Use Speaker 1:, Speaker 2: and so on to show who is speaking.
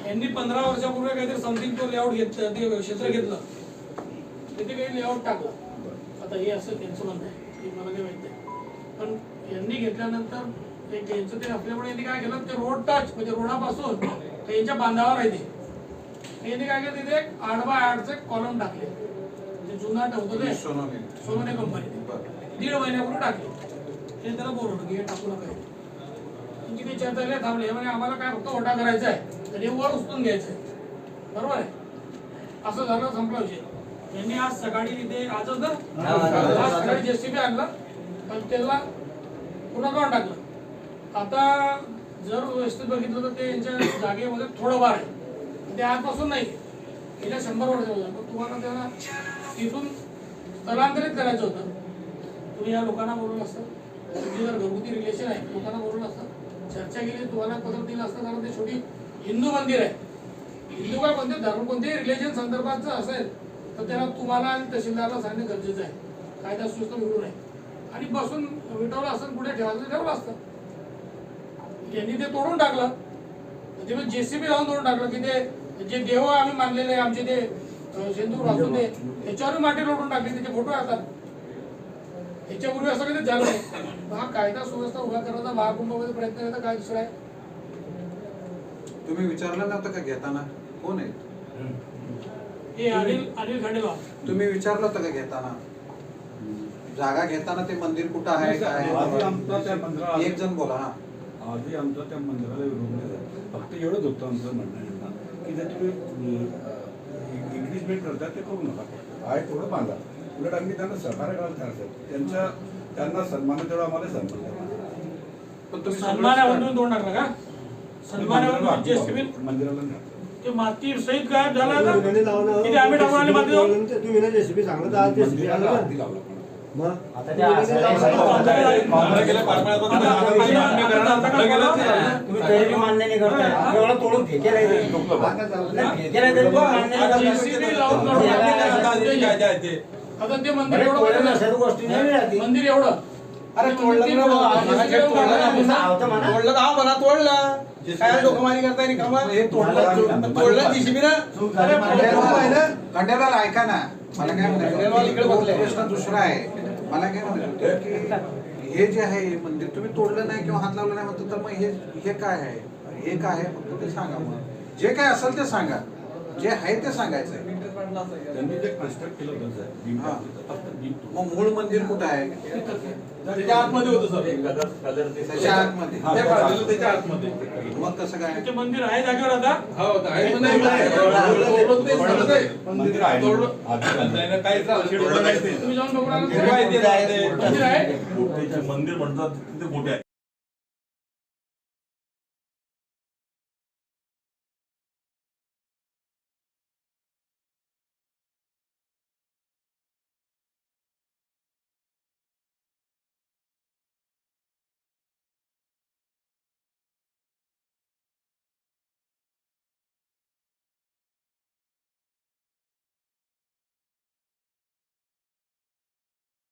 Speaker 1: यांनी 15 वर्षापूर्वी काहीतरी समथिंग तो लेआउट घेतलं, ते क्षेत्र घेतलं, तिथे काही लेआउट टाकलं. आता हे असं त्यांचं म्हणणं आहे की मला काही माहित नाही, पण यांनी घेतल्यानंतर त्यांचं ते असल्यामुळे यांनी काय केलं, ते रोड टच म्हणजे रोडापासून ते यांच्या बांधावर आहे ते यांनी काय केलं, तिथे एक 8x8चे कॉलम टाकले. ते जुना ठेवतो ते सोनोने कंपनी 1.5 महिन्यापूर्वी टाकले. हे त्याला बोलवलं की हे टाकू नका. त्यांची काही चर्चा नाही थांबली. म्हणजे आम्हाला काय फक्त ओटा करायचा आहे, तर हे वर उचलून घ्यायचं आहे, बरोबर आहे. असं झालं, संपला विषय. यांनी आज सकाळी तिथे आजच ना आज सकाळी जेसीबी आणलं, पण त्याला पुन्हा काढून टाकलं. आता जर व्यवस्थित बघितलं तर ते यांच्या जागेमध्ये थोडं वार आहे, ते आजपासून नाही, गेल्या 100 वर्ष. पण तुम्हाला त्याला तिथून स्थलांतरित करायचं होतं, तुम्ही या लोकांना बोलवलं असतं. तुमची जर घरगुती रिलेशन आहे, लोकांना बोलवलं असतं, चर्चा केली, तुम्हाला पत्र दिलं असतं. कारण ते शेवटी हिंदू मंदिर आहे. हिंदू काय कोणते धर्म, कोणतेही रिलेशन संदर्भाचं असेल तर त्याला तुम्हाला आणि तहसीलदारला सांगणं गरजेचं आहे. कायदा सुव्यवस्था बिघडू नये. आणि बसून विटवलं असतं, कुठे ठेवायचं ठेवलं असतं. त्यांनी ते तोडून टाकलं. ते जेसीबी लावून तोडून टाकलं की ते जे देव आम्ही मानलेले आहे आमचे, ते सिंदूर वाचून दे त्याच्यावर माटी लोटून टाकली. त्याचे फोटो येतात. याच्यापूर्वी असं कधी झालं नाही. हा कायदा सुव्यवस्था उभा करण्याचा महाकुंभामध्ये प्रयत्न करायचा काय दुसरा आहे.
Speaker 2: तुम्ही विचारलं नव्हतं का घेताना कोण आहे?
Speaker 1: हे अनिल खंडेलवाल.
Speaker 2: तुम्ही विचारलं होतं का घेताना, जागा घेताना ते मंदिर कुठं आहे काय? एक जण बोला. हा,
Speaker 3: आधी आमचा त्या मंदिराला विरोध नाही झाला. फक्त एवढंच होतं आमचं म्हणणं की जर तुम्ही इंग्लिशमेंट करता ते करू नका, आहे थोडं बांधा. उलट आम्ही त्यांना सहकार्य करायला तयार. त्यांना सन्मान तेवढा आम्हाला सन्मान.
Speaker 1: सन्मानावरून तोड टाकला का? सन्मानावरून जेसीबी
Speaker 3: मंदिराला
Speaker 1: ते माती सहित गायब झाला ना. किती आम्ही टाकून आले माती जाऊन.
Speaker 4: तुम्ही ना जेसीबी सांगलं आज जेसीबी आलं ना. मग आता त्या तुम्ही तरी मान्य नाही करताय. एवढं तोडून फेकेला
Speaker 1: आता ते मंदिर एवढं
Speaker 4: गोष्टी नाही राहते.
Speaker 1: मंदिर एवढं
Speaker 5: अरे तोडलं तोडलं काय डोकमारी करताय तोडलं जीसीबी ना.
Speaker 2: खंडेलवाल ऐका ना, मला काय म्हणायचं प्रश्न दुसरा आहे. मला काय म्हणायचं की हे जे आहे मंदिर तुम्ही तोडलं नाही किंवा हात लावलं नाही म्हणतो, तर मग हे काय आहे, हे काय आहे, फक्त ते सांगा. मग जे काय असेल ते सांगा, जे आहे ते सांगायचं.
Speaker 3: त्यांनी जे कन्स्ट्रक्ट केलं होतं
Speaker 2: मग मूळ मंदिर कुठं आहे?
Speaker 5: त्याच्या आतमध्ये होतं सर,
Speaker 2: त्याच्या आतमध्ये.
Speaker 5: त्याच्या आतमध्ये.
Speaker 2: मग कसं काय?
Speaker 1: ते मंदिर आहे जागेवर आता.
Speaker 5: हो आहे
Speaker 1: तुम्ही जाऊन बघून आला. मंदिर आहे.
Speaker 6: मंदिर म्हणतात तिथे मोठे आहे.